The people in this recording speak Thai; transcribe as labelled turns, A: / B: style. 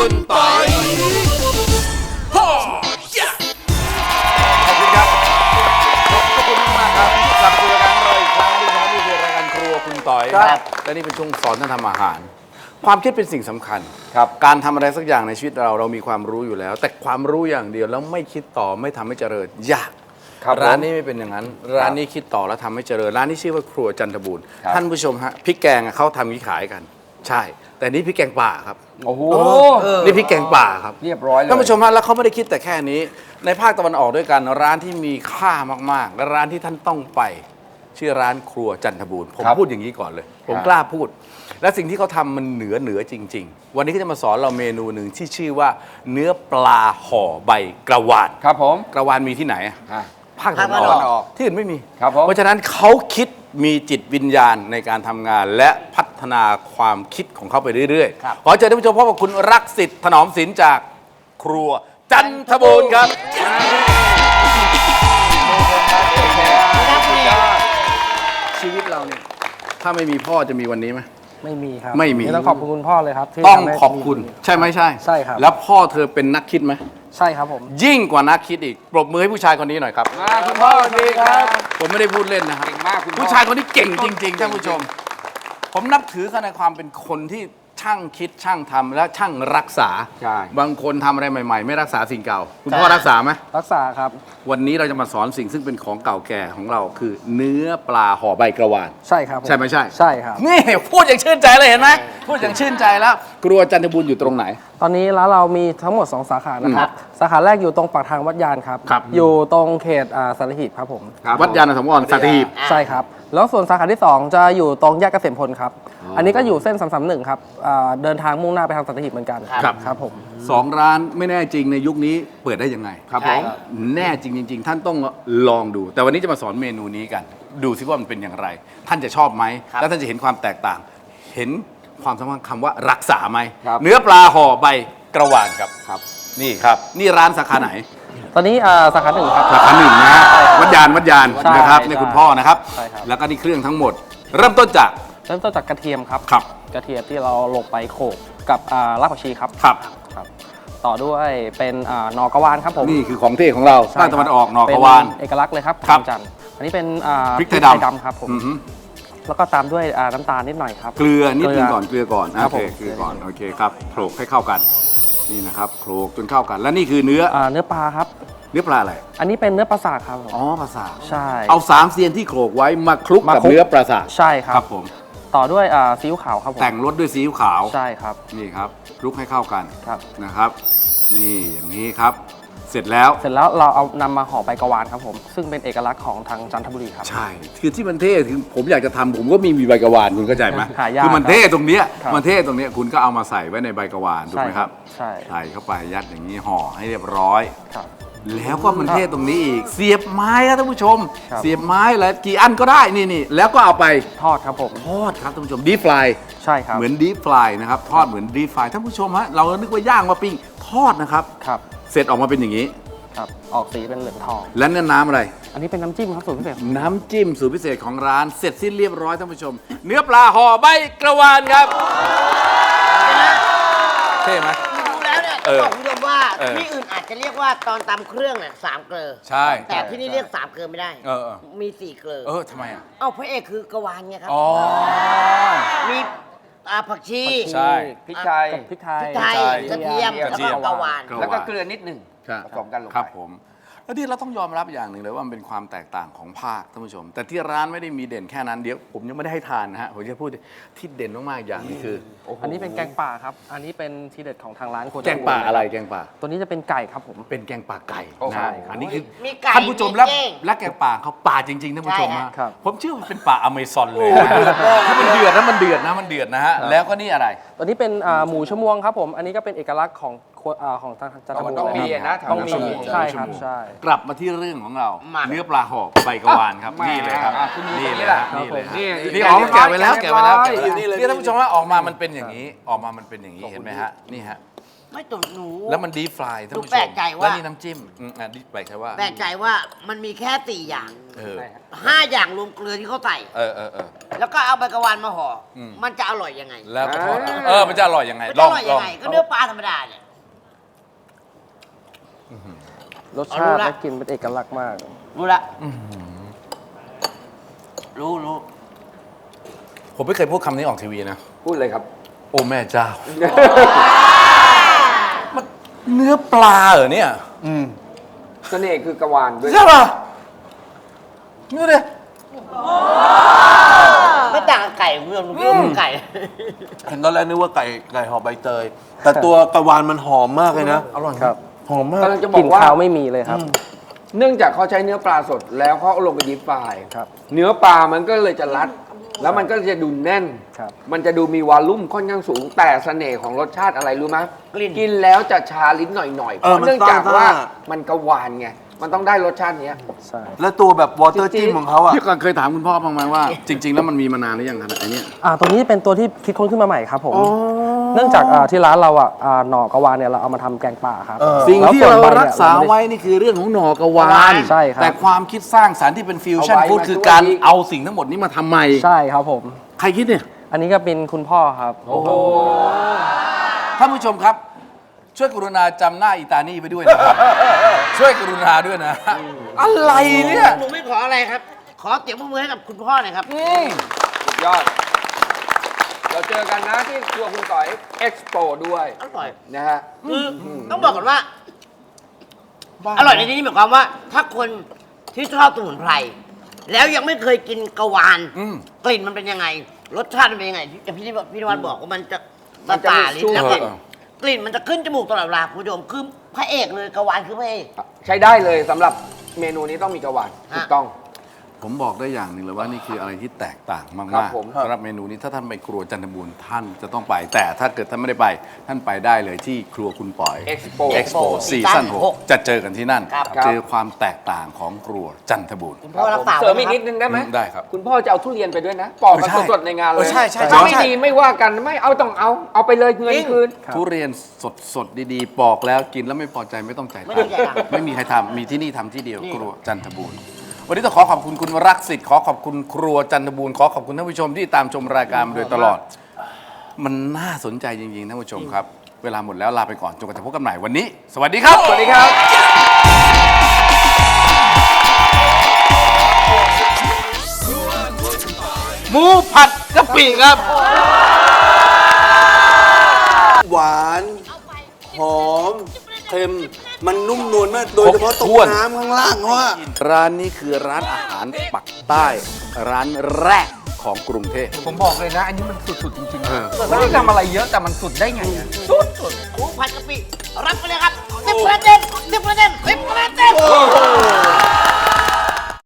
A: คุณปอยขอบคุณครับขอบคุณมากครับกลับมาสู่รายการเราอีกครั้งที่นี่คือรายการครัวคุณต่อยครับและนี่เป็นช่วงสอนท่านทำอาหาร ความคิดเป็นสิ่งสำคัญครับการทำอะไรสักอย่างในชีวิตเรามีความรู้อยู่แล้ว แต่ความรู้อย่างเดียวแล้วไม่คิดต่อไม่ทำให้เจริญยากร้านนี้ไม่เป็นอย่างนั้นร้านนี้คิดต่อแล้วทำให้เจริญร้านนี้ชื่อว่าครัวจันทบูรณ์ท่านผู้ชมฮะพริกแกงเขาทำงี้ขายกันใช่แต่นี่พริกแกงป่าครับโอ้โหนี่พริกแกงป่าครับเรียบร้อยเลยท่านผู้ชมฮะแล้วเขาไม่ได้คิดแต่แค่นี้ในภาคตะวันออกด้วยกันร้านที่มีค่ามากๆและร้านที่ท่านต้องไปชื่อร้านครัวจันทบูรณ์ผมพูดอย่างนี้ก่อนเลยผมกล้าพูดและสิ่งที่เขาทำมันเหนือจริงๆวันนี้เขาจะมาสอนเราเมนูหนึ่งที่ชื่อว่าเนื้อปลาห่อใบกระวานครับผมกระวานมีที่ไหนภาคตะวันออกที่อื่นไม่มีเพราะฉะนั้นเขาคิดมีจิตวิญญาณในการทำงานและพัฒนาความคิดของเขาไปเรื่อยๆขอเชิญท่านผู้ชมพบกับคุณรักสิทธิ์ถนอมศิลป์จากครัวจันทบูรณ์ครับชีวิตเราเนี่ยถ้าไม่มีพ่อจะมีวันนี้ไหมไม่มีครับไม่มีต้องขอบคุณพ่อเลยครับต้องขอบคุณใช่ไหมใช่ใช่ครับแล้วพ่อเธอเป็นนักคิดไหมใช่ครับผมยิ่งกว่านักคิดอีกปรบมือให้ผู้ชายคนนี้หน่อยครับคุณพ่อดีครับผมไม่ได้พูดเล่นนะครับเก่งมากผู้ชายคนนี้เก่งจริงๆท่านผู้ชมผมนับถือเขาในความเป็นคนที่ช่างคิดช่างทำและช่างรักษาบางคนทำอะไรใหม่ๆไม่รักษาสิ่งเก่าคุณพ่อรักษาไหมรักษาครับวันนี้เราจะมาสอนสิ่งซึ่งเป็นของเก่าแก่ของเราคือเนื้อปลาห่อใบกระวานใช่ครับใช่ไหมใช่ใช่ครับนี่พูดอย่างชื่นใจเลยเห็นไหมพูดอย่างชื่นใจแล้วครัวจันทบูรณ์อยู่ตรงไหนตอนนี้ร้านเรามีทั้งหมด2สาขานะครับสาขาแรกอยู่ตรงปากทางวัดยานครับอยู่ตรงเขตสัตหีบครับผมวัดยานสมรสัตหีบใช่ครับแล้วส่วนสาขาที่2จะอยู่ตรงแยกเกษมพลครับอันนี้ก็อยู่เส้น331ครับเดินทางมุ่งหน้าไปทางสัตหีบเหมือนกันครับผม2ร้านไม่แน่จริงในยุคนี้เปิดได้ยังไงครับผมแน่จริงท่านต้องลองดูแต่วันนี้จะมาสอนเมนูนี้กันดูซิว่ามันเป็นอย่างไรท่านจะชอบไหมแล้วท่านจะเห็นความแตกต่างเห็นความสำคัญคำว่ารักษาไหมเนื้อปลาห่อใบกระวานครับนี่ครับนี่ร้านสาขาไหนตอนนี้สาขา1ครับสาขา1นะวัดยานนะครับนี่คุณพ่อนะครับแล้วก็นี่เครื่องทั้งหมดเริ่มต้นจากกระเทียมครับกระเทียมที่เราลงไปโขลกกับรากผักชีครับต่อด้วยเป็นหน่อกระวานครับผมนี่คือของเท่ของเราภาคตะวันออกหน่อกระวานเอกลักษณ์เลยครับจันอันนี้เป็นพริกไทยดำครับผมแล้วก็ตามด้วยน้ำตาลนิดหน่อยครับเกลือนิดนึงก่อนโอเคเกลือก่อนโอเคครับโขลกให้เข้ากันนี่นะครับโขลกจนเข้ากันและนี่คือเนื้อปลาครับเนื้อปลาอะไรอันนี้เป็นเนื้อปลาสากครับอ๋อปลาสากใช่เอา3เซียนที่โขลกไว้มาคลุกกับเนื้อปลาสากใช่ครับผมต่อด้วยซีอิ๊วขาวครับผมแต่งรสด้วยซีอิ๊วขาวใช่ครับนี่ครับคลุกให้เข้ากันนะครับนี่อย่างนี้ครับเสร็จแล้วเราเอานำมาห่อใบกระวานครับผมซึ่งเป็นเอกลักษณ์ของทางจันทบุรีครับใช่คือที่มันเท่คือผมอยากจะทำผมก็มีใบกระวานคุณเข้าใจไหมคือมันเท่ตรงเนี้ยคุณก็เอามาใส่ไว้ในใบกระวานถูกไหมครับใส่เข้าไปยัดอย่างนี้ห่อให้เรียบร้อยแล้วก็มันเท่ตรงนี้อีกเสียบไม้ครับท่านผู้ชมเสียบไม้แล้วกี่อันก็ได้นี่แล้วก็เอาไปทอดครับผมทอดครับท่านผู้ชมดีฟรายใช่ครับเหมือนดีฟรายนะครับทอดเหมือนดีฟรายท่านผู้ชมฮะเรานึกว่าย่างมาปิ้งทอดนะครับเสร็จออกมาเป็นอย่างนี้ครับออกสีเป็นเหลืองทองและนี่น้ำอะไรอันนี้เป็นน้ำจิ้มครับสูตรพิเศษน้ำจิ้มสูตรพิเศษของร้านเสร็จสิ้นเรียบร้อยท่านผู้ชมเนื้อปลาห่อใบกระวานครับเท่ไหมดูแล้วเนี่ยบอกคุณผู้ชมว่าที่อื่นอาจจะเรียกว่าตอนตำเครื่องเนี่ย3 เกลือใช่แต่ที่นี่เรียก3 เกลือไม่ได้มี4 เกลือทำไมอ่ะพระเอกคือกระวานไงครับมีผักชีใช่พริกไทยกระเทียมแล้วก็กระวานแล้วก็เกลือนิดหนึ่งผสมกันลงไปครับผมแล้วที่เราต้องยอมรับอย่างหนึ่งเลยว่ามันเป็นความแตกต่างของภาคท่านผู้ชมแต่ที่ร้านไม่ได้มีเด่นแค่นั้นเดี๋ยวผมยังไม่ได้ให้ทานนะฮะผมจะพูดที่เด่นมากๆอย่างนี้คืออันนี้เป็นแกงป่าครับอันนี้เป็นทีเด็ดของทางร้านแกงป่าอะไรแกงป่าตัวนี้จะเป็นไก่ครับผมเป็นแกงป่าไก่ใช่อันนี้คือท่านผู้ชมและแกงป่าเขาป่าจริงๆท่านผู้ชมฮะผมเชื่อว่าเป็นป่าอเมซอนเลยถ้ามันเดือดนะมันเดือดนะฮะแล้วก็นี่อะไรตัวนี้เป็นหมูชมวงครับผมอันนี้ก็เป็นเอกลักษณ์ของทางจันทบุรีต้องมีนะต้องมีใช่ครับใช่กลับมาที่เรื่องของเราเนื้อปลาห่อใบกระวานครับนี่เลยครับนี่เลยนี่ออกมาแกะไว้แล้วนี่ท่านผู้ชมว่าออกมามันเป็นอย่างนี้เห็นไหมฮะนี่ฮะ
B: ไม่ตุ่นหนู
A: แล้วมันดีฟรายท่านผู้ชม
B: แปลกใจว่า
A: แล้วนี่น้ำจิ้มดีแปลกใจว่า
B: แปลกใจว่ามันมีแค่4อย่าง
A: เออ
B: 5 อย่างรวมเกลือที่เขาใส่
A: เออ
B: แล้วก็เอาใบกระวานมาห่ออ
A: ม
B: มันจะอร่อยยังไง
A: แล้วก็ทอดมันจะอร่อยยังไง
B: มัน
A: ล
B: จะ
A: อ
B: อง ร่อยยังไงก็เนื้อปลาธรรมดาเนี่ย
C: รสชาติและกลิ่นเป็นเอกลักษณ์มาก
B: รู้ละรู้
A: ผมไม่เคยพูดคำนี้ออกทีวีนะ
D: พูดเลยครับ
A: โอ้แม่เจ้า มันเนื้อปลาเหรอเนี่ย
D: เสน่ห์คือกระวานด้วย
A: ใช่ป่ะนี่เลย
B: ไม่ต่างกับไก่คุณผู้ชมดูพี่ไก่
E: เห็นตอนแรกนึกว่าไก่ห่อใบเตย แต่ตัวกระวานมันหอมมากเลยนะ
A: อร่อย
C: ครับ
E: หอมมาก
D: กำลังจะบ
C: ก
D: อ
C: ลิ่น
D: กว่า
C: คาวไม่มีเลยครับ
D: เนื่องจากเขาใช้เนื้อปลาสดแล้วเขาเอาลงไปดิฟฟราย
C: ครับ
D: เนื้อปลามันก็เลยจะรัด แล้วมันก็จะดูแน่น
C: ครับ
D: มันจะดูมีวอลลุ่มค่อนข้างสูง แต่เสน่ห์ของรสชาติอะไรรู้ไหม
B: กลิ่น
D: กินแล้วจะชาลิ้นหน่อยๆเพ
E: เออ
D: ราะ
E: มัน
D: เนื่องจาก
E: ซ่า
D: ว่ามันกระวานไง มันต้องได้รสชาติเนี้ย
C: ใช่
E: แล้วตัวแบบวอเตอร์จิ้มของเขาอ่ะ
A: พี่ก่อนเคยถามคุณพ่อบ้างไหมว่า จริง ๆ แล้วมันมีมานานหรือยังขนาดนี้
C: ตัวนี้เป็นตัวที่คิดค้นขึ้นมาใหม่ครับผม เนื่องจากที่ร้านเราหน่อกระวานเนี่ยเราเอามาทำแกงป่าครับ
A: สิ่ง
C: แล้ว
A: ที่
C: ส่วน
A: เรา
C: ใบนี่ย
A: รักษา
C: เไม่ได้
A: ไว้นี่คือเรื่องของหน่อกระวาน
C: ใช่ครับ
A: แต่ความคิดสร้างสรรค์ที่เป็นฟิวชั่น
D: เอาไว้
A: ฟู้ด
D: มา
A: คือ
D: ช่วย
A: การ
D: อีก
A: เอาสิ่งทั้งหมดนี้มาทำใหม่
C: ใช่ครับผม
A: ใครคิดเนี่ย
C: อันนี้ก็เป็นคุณพ่อครับ
A: ท่านผู้ชมครับ ช่วยกรุณาจำหน้าอีตานี่ไปด้วยนะครับ ช่วยกรุณาด้วยนะ อะไรเนี่ย
B: หนูไม่ขออะไรครับ ขอเสียงปรบมือให้กับคุณพ่อหน่อยครับ
D: สุดยอด เราเจอกันนะที่ครัวคุณต่อยเอ็กซ์โปด้วย
B: อร่อย
D: นะฮะ
B: คือต้องบอกก่อนว่า อร่อยในที่นี้หมายความว่า ถ้าคนที่ชอบสมุนไพรแล้วยังไม่เคยกินกระวาน
A: อืม
B: กลิ่นมันเป็นยังไง รสชาติมันเป็นยังไงอย่างพี่นวัดบอกว่ามันจะ
D: มันจะ
B: ตา
D: มี
B: ลิ้น
D: สู้
B: แล้วกลิ่น
A: เออ
B: กลิ่นมันจะขึ้นจมูกตลอดเวลาคุณผู้ชมคือพระเอกเลยกระวานคือพระเอก
D: ใช้ได้เลยสำหรับเมนูนี้ต้องมีกระวานถูกต้อง
A: ผมบอกได้อย่างหนึ่งเลยว่านี่คืออะไรที่แตกต่าง
D: ครั
A: มาก
D: บผม
A: ๆสำหรับเมนูนี้ถ้าท่านไปครัวจันทบูรณ์ท่านจะต้องไป แต่ถ้าเกิดท่านไม่ได้ไปท่านไปได้เลยที่ครัวคุณปอย
D: Expo
A: Expo ซีซั่น6จะเจอกันที่นั่น
B: ครับ
A: เจอความแตกต่างของครัวจันทบูรณ์
B: คุณพ่อรักษา
D: เสริมอีก
B: ไว้
D: นิดนึงได้ไหม
A: ได้ครับ
D: คุณพ่อจะเอาทุเรียนไปด้วยนะปอกกันสดๆในงานเลย
A: ใช่ใช่
D: ถ้าไม่
A: ใช่
D: ดีไม่ว่ากันไม่เอาต้องเอาไปเลยเงินคืน
A: ทุเรียนสดๆ ดีๆ ปอกแล้วกินแล้วไม่พอใจไม่ต้องจ่าย
B: ไม่
A: ตั
B: ต้อง ง
A: ค์
B: จ่ายตังค์
A: ไม่มีใครทำมีที่นี่ทำที่เดียว
B: นี่
A: ครัวจันทบูรณ์วันนี้ต้องขอขอบคุณคุณรักสิทธิ์ขอขอบคุณครัวจันทบูรณ์ขอขอบคุณท่านผู้ชมที่ตามชมรายการมาโดยตลอด มันน่าสนใจจริงๆท่านผู้ชมครับ เวลาหมดแล้วลาไปก่อนจนกว่าจะพบกันใหม่วันนี้ สวัสดีครับ
D: สวัสดีครับ
A: หมูผัดกะปิครับ
E: หวาน หอม เค็ม มันนุ่มนวลมาก โดยเฉพาะตรงน้ำข้างล่างเขาอะ
A: ร้านนี้คือร้านอาหารปักใต้ ร้านแรกของกรุงเทพ
F: ผมบอกเลยนะ อันนี้มันสุด ๆ จริงๆไม่ได้ทำอะไรเยอะแต่มันสุดได้ไงอะ
B: หมูผัดกะปิรับไปเลยครับ10 คะแนน10 คะแนน